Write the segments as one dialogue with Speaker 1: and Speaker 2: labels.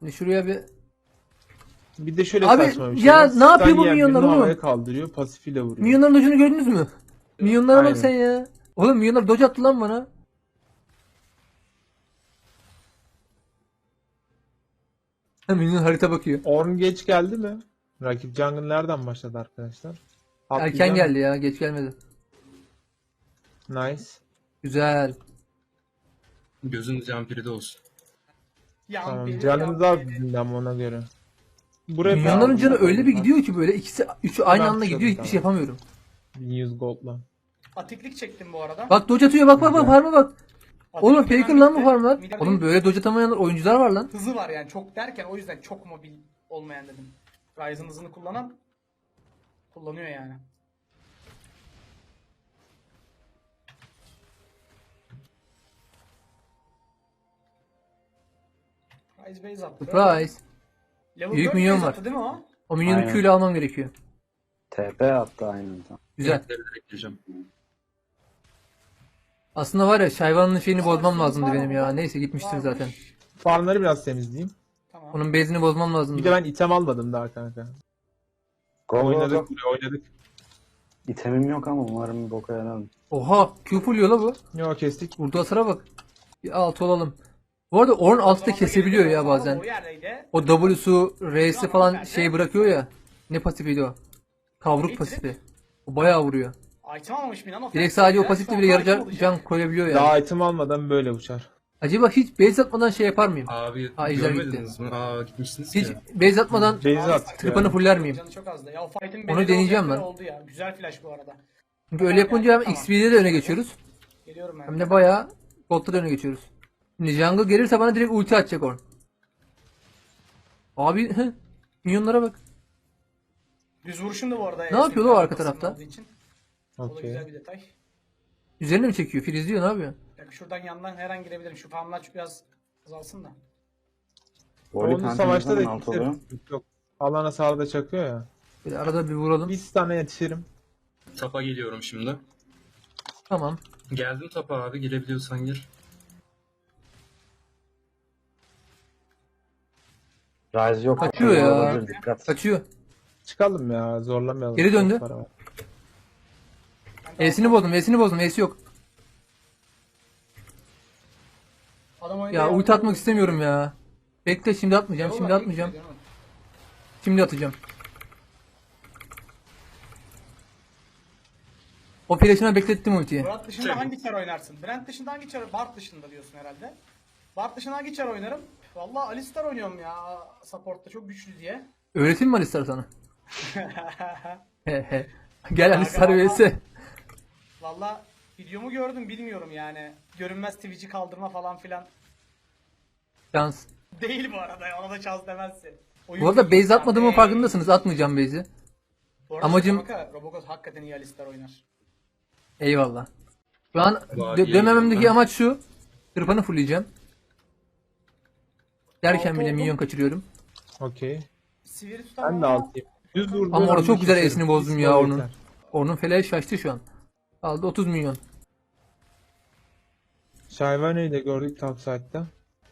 Speaker 1: Şimdi şuraya bir...
Speaker 2: Bir de şöyle
Speaker 1: Abi,
Speaker 2: saçma bir şey
Speaker 1: ya
Speaker 2: var.
Speaker 1: ne yapıyor
Speaker 2: Stun
Speaker 1: bu
Speaker 2: yiyen
Speaker 1: minyonlar
Speaker 2: birini
Speaker 1: oğlum?
Speaker 2: havaya kaldırıyor, pasifiyle vuruyor.
Speaker 1: Minyonların dojunu gördünüz mü? Minyonlara bak
Speaker 2: Aynen.
Speaker 1: sen ya. Oğlum minyonlar doj attı lan bana. Ha, minyon harita bakıyor.
Speaker 2: Ornn geç geldi mi? Rakip jungle nereden başladı arkadaşlar?
Speaker 1: Erken
Speaker 2: Atlayacağım.
Speaker 1: geldi ya, geç gelmedi.
Speaker 2: Nice.
Speaker 1: Güzel.
Speaker 3: Gözün campiri de olsun.
Speaker 2: Tamam. Canımız az bizim ama ona göre. Buraya
Speaker 1: Minyonların canı öyle bir
Speaker 2: gidiyor.
Speaker 1: gidiyor ki böyle ikisi, üçü aynı
Speaker 2: Ben
Speaker 1: anda gidiyor, hiçbir
Speaker 2: tamam.
Speaker 1: şey yapamıyorum.
Speaker 2: 1100 gold'la.
Speaker 4: Atiklik çektim bu arada.
Speaker 1: Bak doj atıyor, bak bak bak, farma bak. Oğlum
Speaker 4: Atiklik
Speaker 1: faker
Speaker 4: hemen
Speaker 1: lan bu
Speaker 4: bitti.
Speaker 1: farmlar.
Speaker 4: Mid'e
Speaker 1: Oğlum böyle doj atamayan oyuncular var lan.
Speaker 4: hızı var yani çok derken o yüzden çok mobil olmayan dedim. Ryze'ın hızını kullanan kullanıyor yani. Ryze base attı.
Speaker 1: Surprise.
Speaker 4: Level
Speaker 1: Büyük
Speaker 4: 4
Speaker 1: minyon
Speaker 4: base
Speaker 1: var.
Speaker 4: attı değil mi o?
Speaker 1: O minyonu
Speaker 5: Aynen.
Speaker 1: Q ile almam gerekiyor.
Speaker 5: TP attı aynen.
Speaker 1: Güzel.
Speaker 3: Renkleri de ekleyeceğim.
Speaker 1: Aslında var ya Şayvan'ın şeyini bozmam
Speaker 4: Var
Speaker 1: lazımdı
Speaker 4: mı?
Speaker 1: benim ya.
Speaker 4: Var.
Speaker 1: Neyse gitmiştir
Speaker 4: Varmış.
Speaker 1: zaten.
Speaker 2: Farmları biraz temizleyeyim.
Speaker 4: Tamam.
Speaker 1: Onun base'ini bozmam
Speaker 2: Bir de
Speaker 1: lazımdı.
Speaker 2: ben item almadım daha kanka.
Speaker 5: Go go
Speaker 2: Oynadık
Speaker 5: go.
Speaker 2: buraya oynadık.
Speaker 5: İtemim yok ama umarım bir boka yaramam.
Speaker 1: Oha, Q full yola bu.
Speaker 2: Yo kestik.
Speaker 1: Vurduğu hasara bak. Bir alt olalım. Bu arada Ornn altta kesebiliyor ya bazen.
Speaker 4: O yerdeydi.
Speaker 1: O W'su, R'si falan şey bırakıyor ya. Ne pasifiydi o? Kavruk pasifi. O bayağı vuruyor.
Speaker 4: Item almamış Milan.
Speaker 1: Direkt sadece o pasifle bile yarı can koyabiliyor yani.
Speaker 2: Daha item almadan böyle uçar.
Speaker 1: Acaba hiç base atmadan şey yapar mıyım?
Speaker 3: Abi
Speaker 1: Ha, ejder
Speaker 3: görmediniz mi? Aa gitmişsiniz
Speaker 1: Hiç
Speaker 3: ki.
Speaker 1: base atmadan
Speaker 2: Base at.
Speaker 1: tırpanı fuller miyim?
Speaker 4: Canı çok azdı. Ya o fight'in
Speaker 1: Onu
Speaker 4: bedeli
Speaker 1: deneyeceğim
Speaker 4: olacak
Speaker 1: ben.
Speaker 4: Oldu ya. Güzel flash bu arada.
Speaker 1: Çünkü öyle yapınca hem
Speaker 4: Tamam.
Speaker 1: XP'de de öne geçiyoruz.
Speaker 4: Geliyorum ben.
Speaker 1: Hem de bayağı Gold'da da öne geçiyoruz. Şimdi jungle gelirse bana direkt ulti atacak Ornn. Abi minyonlara bak.
Speaker 4: Düz vuruşum da bu arada.
Speaker 1: Ne yapıyor o arka tarafta?
Speaker 4: olduğu için. O da
Speaker 2: Okey.
Speaker 4: güzel bir detay.
Speaker 1: Üzerine mi çekiyor? Filizliyor, ne yapıyor?
Speaker 4: Yani şuradan yandan her an girebilirim. Şu farmlar biraz azalsın da.
Speaker 5: Voli
Speaker 2: Onun
Speaker 5: kanka
Speaker 2: savaşta
Speaker 5: ne
Speaker 2: da
Speaker 5: zaman alt oluyor?
Speaker 2: yetişirim. Yok. Alana sağda çakıyor ya.
Speaker 1: Böyle arada bir vuralım.
Speaker 2: Bir tane yetişirim.
Speaker 3: Tapa geliyorum şimdi.
Speaker 1: Tamam.
Speaker 3: Geldim tapa abi, girebiliyorsan gir.
Speaker 5: Rise yok.
Speaker 1: Kaçıyor
Speaker 5: Olabilir,
Speaker 1: ya.
Speaker 5: olabilir, dikkat.
Speaker 1: Kaçıyor.
Speaker 2: Çıkalım ya zorlamayalım.
Speaker 1: Geri döndü.
Speaker 2: Çok para var.
Speaker 1: E'sini bozdum, E'sini bozdum. E'si yok.
Speaker 4: Adam oyunda
Speaker 1: Ya
Speaker 4: yardım
Speaker 1: ulti atmak
Speaker 4: ediyor.
Speaker 1: istemiyorum ya. Bekle, şimdi atmayacağım.
Speaker 4: Yok
Speaker 1: Şimdi
Speaker 4: lan,
Speaker 1: atmayacağım.
Speaker 4: iyi gidiyor, değil mi?
Speaker 1: Şimdi atacağım. O flash'ına beklettim ultiyi.
Speaker 4: Murat dışında hangi çar oynarsın? Brent dışında hangi çar? Bart dışında diyorsun herhalde. Bart dışında hangi çar oynarım? Vallahi Alistar oynuyorum ya. Support'ta çok güçlü diye.
Speaker 1: Öğreteyim mi Alistar sana? Gel Alistar vs.
Speaker 4: Vallahi videomu gördüm bilmiyorum yani. Görünmez Twitch'i kaldırma falan filan.
Speaker 1: Şans.
Speaker 4: Değil bu arada ya, ona da şans demezsin.
Speaker 1: Bu arada base atmadığımın farkındasınız. Atmayacağım base'i. Amacım-
Speaker 4: Robocop hakikaten iyi Alistar oynar.
Speaker 1: Eyvallah. Şu an
Speaker 3: Vallahi iyi
Speaker 1: dönmememdeki
Speaker 3: oynuyor.
Speaker 1: amaç şu. Tırpanı fullleyeceğim. Derken
Speaker 4: Altı
Speaker 1: bile
Speaker 4: oldu.
Speaker 1: minyon kaçırıyorum.
Speaker 2: Okey.
Speaker 4: Sivri tutamam
Speaker 2: Ben de
Speaker 4: ama
Speaker 2: altayım. Düz vurduğum
Speaker 1: Ama orada
Speaker 2: anda
Speaker 1: çok güzel
Speaker 2: keserim.
Speaker 1: esini bozdum
Speaker 2: Bir
Speaker 1: ya
Speaker 2: skor
Speaker 1: onun.
Speaker 2: yeter.
Speaker 1: Onun feleği şaştı şu an. Aldı 30 milyon.
Speaker 2: Shyvani'yi de gördük topside'da.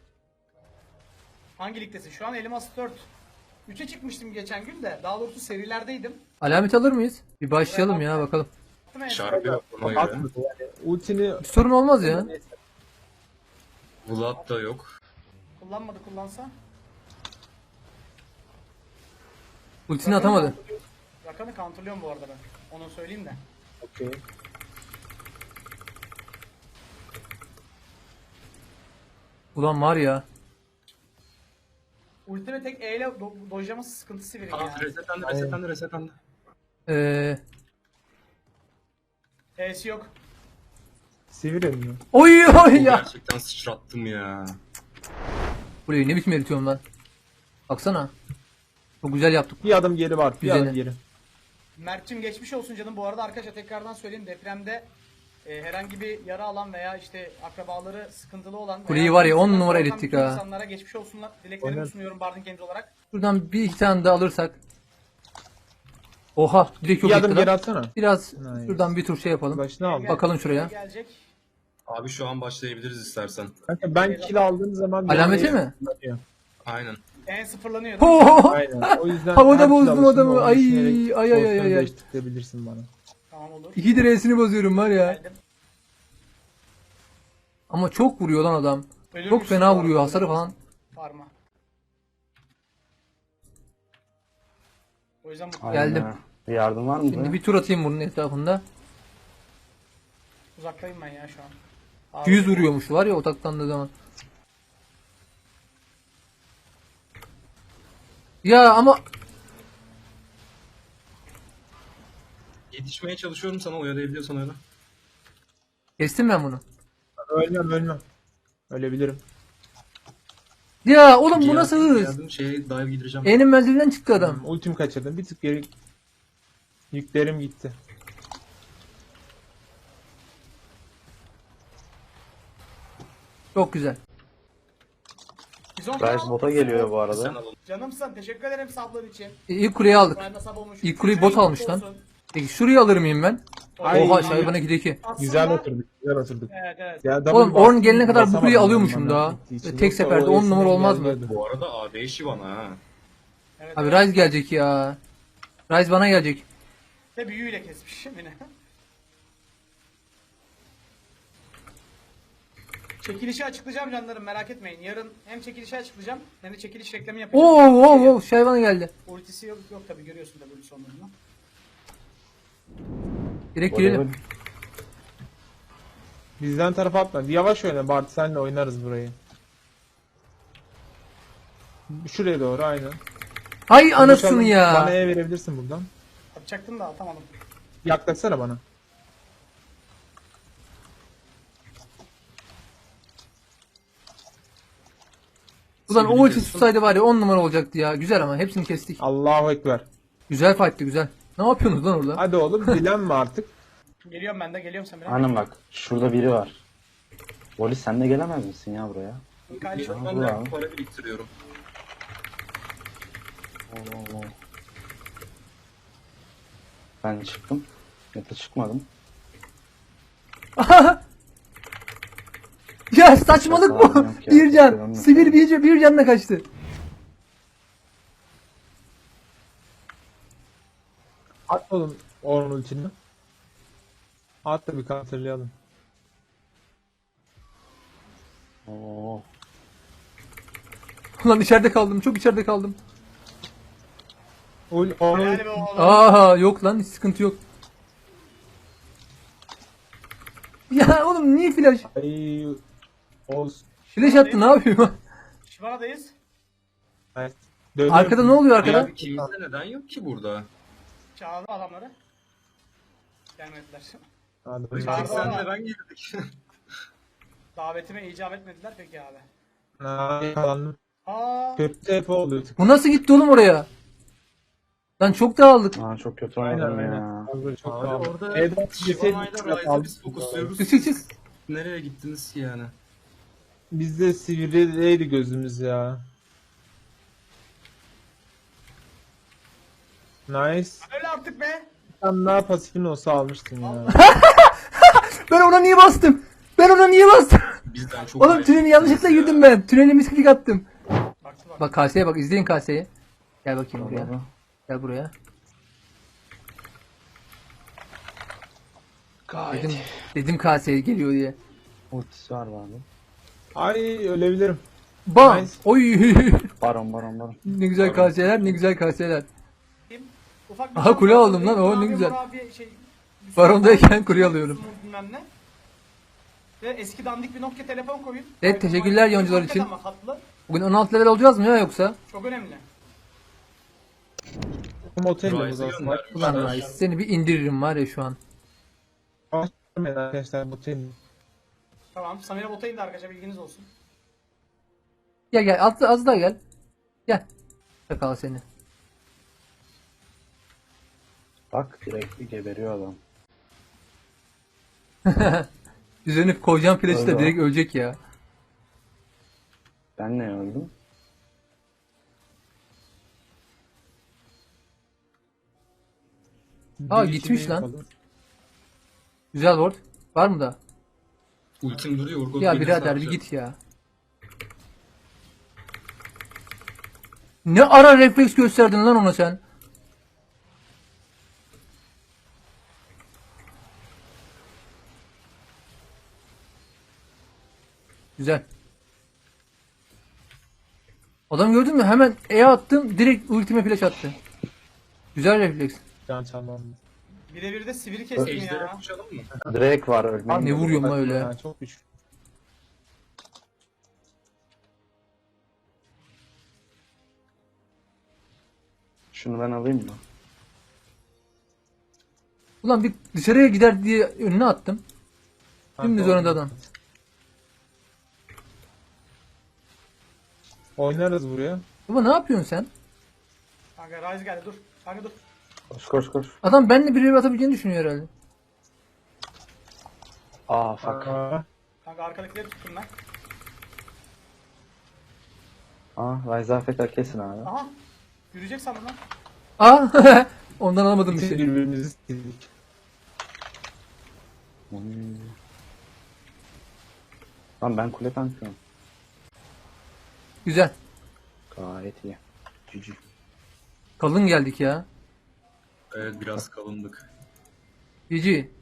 Speaker 4: hangi ligdesin? Şu an Elmas 4. 3'e çıkmıştım geçen gün de. Daha doğrusu serilerdeydim.
Speaker 1: Alamet alır mıyız? Bir başlayalım ya bakalım.
Speaker 4: Attım en son.
Speaker 3: Şarkı yok ona göre.
Speaker 2: Atmadı yani. Ultini
Speaker 1: Bir sorun olmaz ya.
Speaker 3: Vlad da yok.
Speaker 4: Kullanmadı, kullansa.
Speaker 1: Ultisini atamadı.
Speaker 4: Rakan'ı counterlıyorum bu arada ben. Onu söyleyeyim de.
Speaker 2: okey.
Speaker 1: Ulan var ya.
Speaker 4: Ulti ve tek E ile dojlaması sıkıntı Sivri
Speaker 3: Tamam
Speaker 4: yani.
Speaker 3: resetlendi resetlendi resetlendi.
Speaker 1: Ee,
Speaker 4: E'si yok.
Speaker 2: Sivir mi?
Speaker 1: oy oy ya.
Speaker 3: Gerçekten sıçrattım ya.
Speaker 1: Burayı ne biçim eritiyorum lan. Baksana. Çok güzel yaptık.
Speaker 2: Bir adım geri var. Bir
Speaker 1: Güzel.
Speaker 2: adım geri.
Speaker 4: Mert'cim geçmiş olsun canım. Bu arada arkadaşlar tekrardan söyleyeyim. Depremde herhangi bir yara alan veya işte akrabaları sıkıntılı olan
Speaker 1: Kuleyi
Speaker 4: veya
Speaker 1: var ya, 10
Speaker 4: korkan
Speaker 1: numara
Speaker 4: bütün
Speaker 1: erittik ha.
Speaker 4: İnsanlara geçmiş olsunlar. Dileklerimi
Speaker 2: Aynen.
Speaker 4: sunuyorum Bardin Games olarak.
Speaker 1: Şuradan bir iki tane daha alırsak. Oha, direkt yok
Speaker 2: Bir adım
Speaker 1: etti
Speaker 2: geri
Speaker 1: lan.
Speaker 2: atsana.
Speaker 1: Biraz
Speaker 2: Nice.
Speaker 1: şuradan bir tur şey yapalım.
Speaker 2: Başına al.
Speaker 1: Bakalım şuraya.
Speaker 4: Gelecek.
Speaker 3: Abi şu an başlayabiliriz istersen.
Speaker 2: Kanka ben kill aldığım zaman...
Speaker 1: Alameti mi?
Speaker 3: Aynen.
Speaker 4: sıfırlanıyor.
Speaker 1: Ho!
Speaker 2: Aynen. O yüzden
Speaker 1: Havada
Speaker 2: her
Speaker 1: bozdum
Speaker 2: çalışma
Speaker 1: adamı.
Speaker 2: onu
Speaker 1: Ay,
Speaker 2: düşünerek
Speaker 1: ay, ay, ay,
Speaker 2: pozisyonu
Speaker 1: ay.
Speaker 2: değiştirebilirsin bana.
Speaker 4: Tamam olur.
Speaker 1: 2 direğesini bozuyorum var ya.
Speaker 4: Geldim.
Speaker 1: Ama çok vuruyor lan adam.
Speaker 4: Ölür
Speaker 1: Çok
Speaker 4: müsün
Speaker 1: fena
Speaker 4: bu
Speaker 1: vuruyor
Speaker 4: arada?
Speaker 1: hasarı falan.
Speaker 4: Parma. O yüzden bu
Speaker 5: Aynen
Speaker 1: Geldim.
Speaker 5: öyle. Bir yardım var mı?
Speaker 1: Şimdi
Speaker 5: buraya?
Speaker 1: bir tur atayım bunun etrafında.
Speaker 4: uzaktayım ben ya şu an.
Speaker 1: 100 vuruyormuş var ya otaklandığı zaman. Ya ama
Speaker 3: Yetişmeye çalışıyorum sana, oyalayabiliyorsan öyle.
Speaker 1: kestim ben bunu.
Speaker 2: Ölmem. Ölebilirim.
Speaker 1: Ya oğlum bu nasıl hız?
Speaker 3: Geldim şeye dive gireceğim.
Speaker 1: E'nin menzilinden çıktı adam.
Speaker 2: Ultim kaçırdım. Bir tık geri yüklerim gitti.
Speaker 1: Çok güzel.
Speaker 4: Bizon
Speaker 5: Rise
Speaker 4: falan
Speaker 5: bota
Speaker 4: mısın?
Speaker 5: geliyor bu
Speaker 3: Sen
Speaker 5: arada.
Speaker 3: al onu.
Speaker 4: Canımsın. Teşekkür ederim sablon için.
Speaker 1: İlk kuleyi aldık.
Speaker 4: Ben de sab olmuş.
Speaker 1: İlk kuleyi bot almış lan. Peki şurayı alır mıyım ben?
Speaker 2: Ay.
Speaker 1: Oha şayvana gideki.
Speaker 2: Güzel oturduk. Güzel oturduk.
Speaker 4: Evet evet.
Speaker 2: Ya, double
Speaker 1: Oğlum Ornn
Speaker 2: bastım,
Speaker 1: gelene kadar bu
Speaker 2: basamadım
Speaker 1: kuleyi
Speaker 2: ben
Speaker 1: alıyormuşum
Speaker 2: bana
Speaker 1: daha.
Speaker 2: gittiği için.
Speaker 1: Tek
Speaker 2: Yoksa
Speaker 1: seferde
Speaker 2: o
Speaker 1: 10 numara
Speaker 2: eskiden
Speaker 1: olmaz mı?
Speaker 2: geldi.
Speaker 3: Bu arada AD işi bana ha.
Speaker 4: Evet,
Speaker 1: Abi
Speaker 4: evet.
Speaker 1: Ryze gelecek ya. Ryze bana gelecek.
Speaker 4: De büyüyle kesmişim yine. Çekilişi açıklayacağım canlarım merak etmeyin. Yarın hem çekilişi açıklayacağım hem de çekiliş reklamı yapacağım.
Speaker 1: Oo şayvana geldi.
Speaker 4: Ultisi yok tabi görüyorsun da ultisi onların.
Speaker 1: Direkt girelim.
Speaker 2: Bizden tarafa atma. Yavaş oyna Bart, senle oynarız burayı. Şuraya doğru aynen.
Speaker 1: Hay anasını
Speaker 2: Bana
Speaker 1: ya.
Speaker 2: E verebilirsin buradan.
Speaker 4: Atacaktım da atamadım.
Speaker 2: Yaklaşsana bana.
Speaker 1: Ulan o
Speaker 3: Sivri
Speaker 1: ulti
Speaker 3: kestim.
Speaker 1: tutsaydı var ya 10 numara olacaktı ya. Güzel ama hepsini kestik.
Speaker 2: Allahu Ekber.
Speaker 1: Güzel fight'tı güzel. Ne yapıyorsunuz lan orada?
Speaker 2: Hadi oğlum dilenme artık.
Speaker 4: Geliyorum ben de geliyorum sen biraz.
Speaker 5: Aynen bak. Şurada biri var. Polis sen de gelemez misin ya buraya?
Speaker 4: Mikael çok
Speaker 3: Ben
Speaker 5: Bravo.
Speaker 3: de para biriktiriyorum.
Speaker 5: Oo. Ben çıktım. Ya da çıkmadım.
Speaker 1: Ya saçmalık bu.
Speaker 5: Yok ya,
Speaker 1: Bir can.
Speaker 5: kesinlikle
Speaker 1: Sivir bir canla kaçtı.
Speaker 2: At oğlum Ornn ultini. At da bir counterlayalım.
Speaker 5: Oo.
Speaker 1: Ulan içeride kaldım. Çok içeride kaldım.
Speaker 2: Ornn
Speaker 4: Yani be oğlum.
Speaker 1: Aa yok lan hiç sıkıntı yok. Ya oğlum niye flash?
Speaker 2: Ay olsun.
Speaker 1: Flash attı ne yapıyor?
Speaker 4: Şivana'dayız.
Speaker 2: Nice. Dönüyorum.
Speaker 1: Arkada ne oluyor arkada?
Speaker 3: Ya ikimizde neden yok ki burada?
Speaker 4: Çağırdım adamları. Gelmediler.
Speaker 2: Hadi
Speaker 3: Tek
Speaker 4: Çağırdı
Speaker 2: bakalım.
Speaker 3: senle
Speaker 4: ama.
Speaker 3: ben girdik.
Speaker 4: Davetime icap etmediler peki abi.
Speaker 2: Ha, yakalandım.
Speaker 4: Aa,
Speaker 2: Kötü TP oluyor.
Speaker 1: Bu nasıl gitti oğlum oraya? Lan çok dağıldık.
Speaker 5: Aa, çok kötü
Speaker 2: Aynen
Speaker 5: oynadım
Speaker 2: aynen.
Speaker 5: ya.
Speaker 2: Abi, çok
Speaker 3: Abi
Speaker 2: pahalı.
Speaker 3: orada
Speaker 2: Edward
Speaker 3: Şivana'yla
Speaker 2: deseydi,
Speaker 3: Ryze'ı biz fokusluyoruz.
Speaker 1: Çık çık çık.
Speaker 3: Nereye gittiniz ki yani?
Speaker 2: Bizde sivrileydi gözümüz ya. Nice.
Speaker 4: öyle artık be.
Speaker 2: Sen daha pasifin olsa almıştın ya.
Speaker 1: Ben ona niye bastım? Ben ona niye bastım?
Speaker 3: Bizden çok
Speaker 1: Oğlum tüneli yanlışlıkla girdim ben. Tüneli misklik attım.
Speaker 4: Baktı bak.
Speaker 1: Bak kaseye bak izleyin kaseyi. Gel bakayım buraya.
Speaker 5: Bravo.
Speaker 1: Gel buraya. Dedim kaseye geliyor diye.
Speaker 5: Ultisi var abi.
Speaker 2: Ay ölebilirim.
Speaker 1: Bam.
Speaker 2: Nice.
Speaker 1: Oy.
Speaker 5: Baron.
Speaker 1: Ne güzel kaseler, ne güzel kaseler.
Speaker 4: Kim? Ufak
Speaker 1: Aha,
Speaker 4: şans
Speaker 1: kule
Speaker 4: var.
Speaker 1: aldım lan, o ne
Speaker 4: Abi,
Speaker 1: güzel.
Speaker 4: abi, şey,
Speaker 1: Barondayken kule alıyorum.
Speaker 4: Bilmem ne. Ve eski dandik bir Nokia telefon koyun.
Speaker 1: Evet,
Speaker 4: iPhone,
Speaker 1: teşekkürler
Speaker 4: iPhone,
Speaker 1: yoncular
Speaker 4: hakikaten
Speaker 1: için.
Speaker 4: ama hatlı.
Speaker 1: Bugün 16 level olacağız mı ya yoksa?
Speaker 4: Çok önemli.
Speaker 2: Motel mi
Speaker 3: Ryze'ı
Speaker 2: aslında?
Speaker 1: Ulan
Speaker 3: göndermişler.
Speaker 1: Rice seni bir indiririm var ya şu an.
Speaker 2: Başlamayın arkadaşlar motel.
Speaker 4: Tamam. Samira bota indi arkadaşlar bilginiz olsun.
Speaker 1: Gel gel az daha gel. Gel. Çakal seni.
Speaker 5: Bak direkt geberiyor adam.
Speaker 1: Üzerine koyacağım flash'ı da
Speaker 5: Öyle.
Speaker 1: direkt ölecek ya.
Speaker 5: Ben ne öldüm?
Speaker 1: Aa,
Speaker 2: Bir
Speaker 1: gitmiş
Speaker 2: şey
Speaker 1: lan.
Speaker 2: yapalım.
Speaker 1: Güzel ward. Var mı da?
Speaker 3: Ultim duruyor. Urgot
Speaker 1: Ya
Speaker 3: gelirse
Speaker 1: birader bir
Speaker 3: yapacağım.
Speaker 1: git ya. Ne ara refleks gösterdin lan ona sen? Güzel. Adam gördün mü? Hemen E attım. Direkt ultime flash attı. Güzel refleks.
Speaker 2: Can çalmam.
Speaker 4: Birebir de sivri kestim
Speaker 3: Ejder'e
Speaker 4: ya.
Speaker 3: koşalım mı?
Speaker 5: Drake var ölmeyin.
Speaker 1: Ne vuruyorum lan öyle?
Speaker 2: Yani çok güçlü.
Speaker 5: Şunu ben alayım mı?
Speaker 1: Ulan bir dışarıya gider diye önüne attım. Şimdi zorunda adam.
Speaker 2: Oynarız buraya.
Speaker 1: Baba ne yapıyorsun sen?
Speaker 4: Kanka Ryze geldi dur. Kanka dur.
Speaker 5: Koş koş koş.
Speaker 1: Adam benimle bir atabileceğini düşünüyor herhalde.
Speaker 5: Aa fuck.
Speaker 2: Aa,
Speaker 4: Kanka arkadakileri tuttum ben.
Speaker 5: Aa Ryze AFK kesin abi.
Speaker 4: Aha. Yürüyecek sandım lan.
Speaker 1: Aa ondan alamadım bir
Speaker 2: biz
Speaker 1: şey.
Speaker 2: birbirimizi sildik.
Speaker 5: Hmm. Lan ben kule tankıyorum.
Speaker 1: Güzel.
Speaker 5: Gayet iyi. Cici.
Speaker 1: Kalın geldik ya.
Speaker 3: Evet biraz kalındık.
Speaker 1: GG.